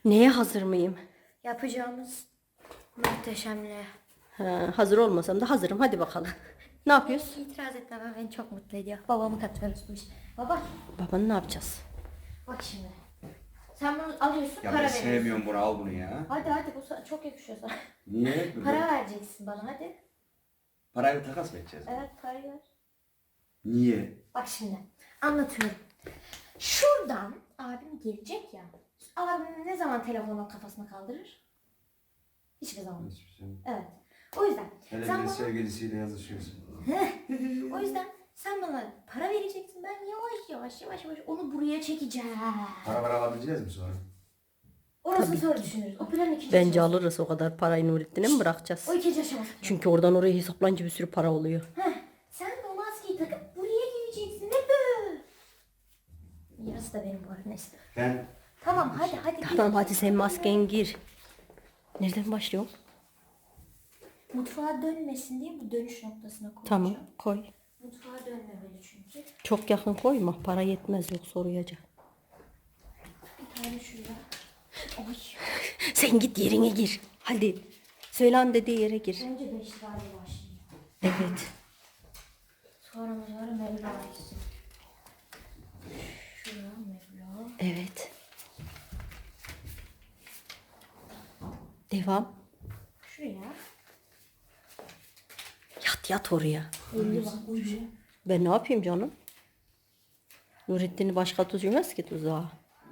Neye hazır mıyım? Yapacağımız muhteşemliğe. Ha, hazır olmasam da hazırım. Hadi bakalım. Ne yapıyoruz? İtiraz etmem beni çok mutlu ediyor. Babamı katıyoruz bu işe. Baba Babanı ne yapacağız? bak şimdi. Sen bunu alıyorsun Ya para ben veriyorsun. sevmiyorum bunu, al bunu ya. Hadi bu çok yakışıyor sana. Niye? Para vereceksin bana hadi. Parayla takas mı edeceğiz? Evet parayı ver. Niye? Bak şimdi anlatıyorum. Şuradan abim gelecek ya. Abim ne zaman telefonu kafasına kaldırır? Hiçbir zaman. Hiçbir şey. Evet. O yüzden Hele sen bir de bana, sevgilisiyle yazışıyorsun. o yüzden sen bana para vereceksin. Ben yavaş yavaş onu buraya çekeceğim. Para alabileceğiz mi sonra? Orasını sonra düşünürüz. O planın ikinci Bence aşaması. alırız o kadar parayı Nurettin'e mi bırakacağız? O ikinci aşaması. Çünkü oradan oraya hesaplanınca bir sürü para oluyor. Sen de o maskeyi takıp buraya geleceksin. Ne böyle? Yarısı da benim bu arada neyse. Ben Tamam hadi. Tamam hadi sen masken gir. Nereden başlıyor? Mutfağa dönmesin diye bu dönüş noktasına koyacağım. Tamam koy. Mutfağa dönmemeli çünkü. Çok yakın koyma. Para yetmez yok soruyacak. Bir tane şuraya. Oy. Sen git yerine gir. Hadi. Söylen dediği yere gir. Önce 5 lirayla başlayayım. Evet. Sonra Mevla gitsin. Şuraya Mevla. Evet. Devam. Şuraya. Yat oraya. 50 var. Ucu. Ben ne yapayım canım? Nurettin'i başka tutmaz ki tuzağa.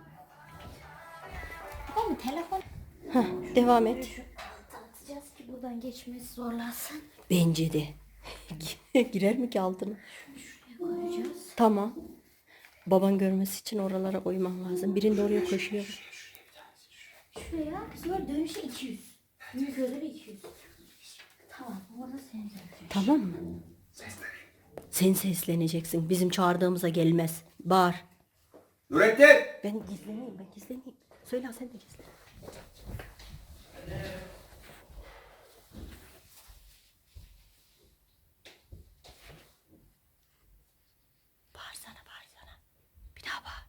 Tamam telefon. Heh, devam et. Atacağız ki buradan geçmesi zorlansın. Bence de. Girer mi ki altına? Şuraya koyacağız. Tamam. Baban görmesi için oralara koyman lazım. Birinde oraya koşuyor. Şuraya sonra dönüşe 200. Büyük ödülü 200. Tamam orada seni görecek. Tamam mı? Sen sesleneceksin. Bizim çağırdığımıza gelmez. Bağır. Nurettin! Ben gizleneyim. Söyle sen de gizlen. Bağırsana. Bir daha bağır.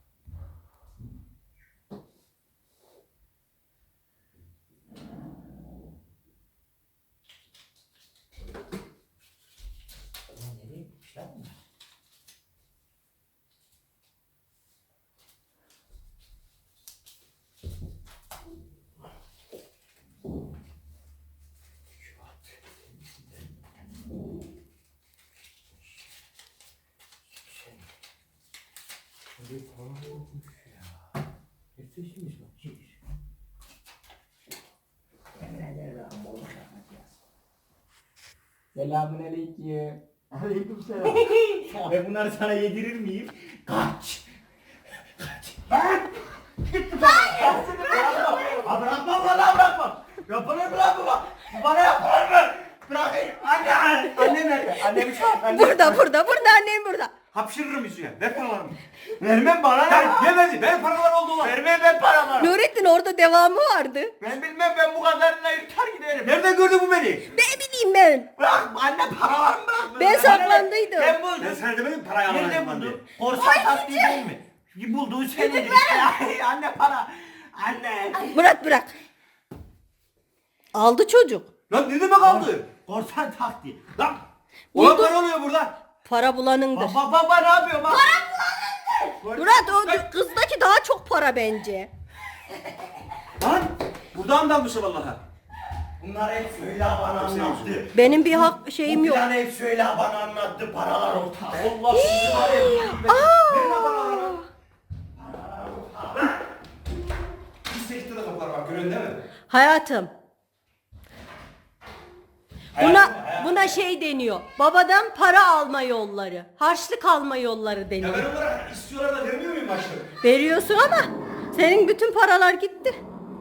Selamünaleyküm. Aleykümselam. Ben bunları sana yedirir miyim? Kaç. Lan! Hayır! Bırakma valla bırakma. Yapılır mı lan bu bak? Bu bana yapılır mı? Bırakayım. Anne nerede? Annemi çağır. Burada annem burada. Hapşırırım yüzüne. Ver paralarımı. Vermem bana ne? Yemedi, ben paralar oldu lan. Vermem ben paralarımı. Nurettin orada devamı vardı. Ben bilmem, ben bu kadarına yırtar giderim. Nereden gördü bu beni? Ne bileyim ben. Bırak anne paralarımı bırak. Ben saklandıydım. Ben buldum. Ben sana demedim parayı Nerede alamayacağım lan diye. buldun? Korsan taktiği değil mi? Bulduğu senedir işte. Ay, anne para. Anne. Bırak. Aldı çocuk. Lan ne demek aldı? Korsan taktiği. Lan. Ulan para oluyor burada. Para bulanındır. Baba ne yapıyor bak. Murat o kızdaki daha çok para bence. Lan buradan dalmışım vallahi. Bunlar hep Söyle bana anlattı. Benim bir hak şeyim Bu yok. planı hep Söyle bana anlattı. Paralar ortada. Allah sizi var ya. Verin lan paraları. Bir sekte de kapılar bak, görüyorsun değil mi? Hayatım. Buna şey deniyor. Babadan para alma yolları. Harçlık alma yolları Ya deniyor. ben onlara istiyorlar da vermiyor muyum başlık? Veriyorsun ama senin bütün paralar gitti.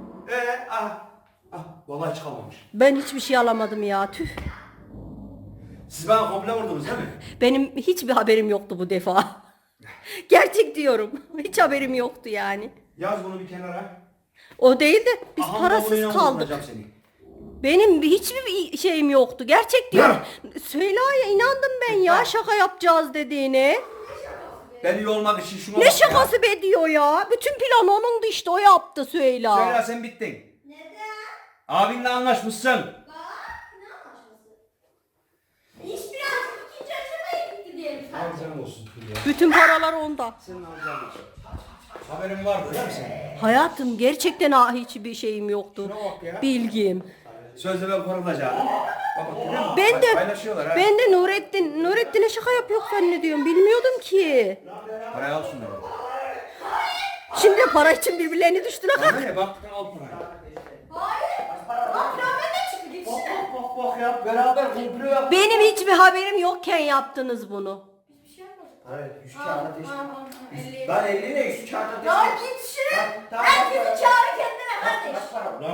Vallahi hiç kalmamış. Ben hiçbir şey alamadım ya. Tüh. Siz bana komple vurdunuz değil mi? Benim hiçbir haberim yoktu bu defa. Gerçek diyorum. Hiç haberim yoktu yani. Yaz bunu bir kenara. O değil de biz Aham, parasız babamın yanına kaldık. oturacağım seni. Benim hiçbir şeyim yoktu. Gerçek diyorum. Süheyla'ya inandım ben ya şaka yapacağız dediğine. Ben iyi olmak için şuna Ne bak şakası be diyor ya. Bütün planı onundu işte, o yaptı ya. Süheyla. Söyle sen bittin. Neden? Abinle anlaşmışsın. Bak ne anlaşması? İş birazcık ikinci aşamaya gitti diyelim sadece. Alacağın olsun Hülya. Bütün paralar onda. Senin alacağın olsun. Haberin vardı değil mi senin? Hayatım gerçekten hiçbir şeyim yoktu. Şuna bak ya. Bilgim. Sözde ben korunacağım. Bak görüyor musun? Ben de Paylaşıyorlar ha. ben de Nurettin'e şaka yapıyor zannediyorum. Bilmiyordum ki. Parayı al şunları. Şimdi de para için birbirlerini düştüler. Bana ne bak al parayı. Hayır. Bak plan ne çıktı gitsene. Bak ya beraber komplo yap. Benim hiçbir haberim yokken yaptınız bunu. Hiçbir şey yapmadım. Hayır 100 kağıda teşvik. Tamam. 50. Lan 50 ne 100 kağıda teşvik. Ya git şuraya. Tamam, Herkesi tamam. çağır kendine kardeş. Kaç para?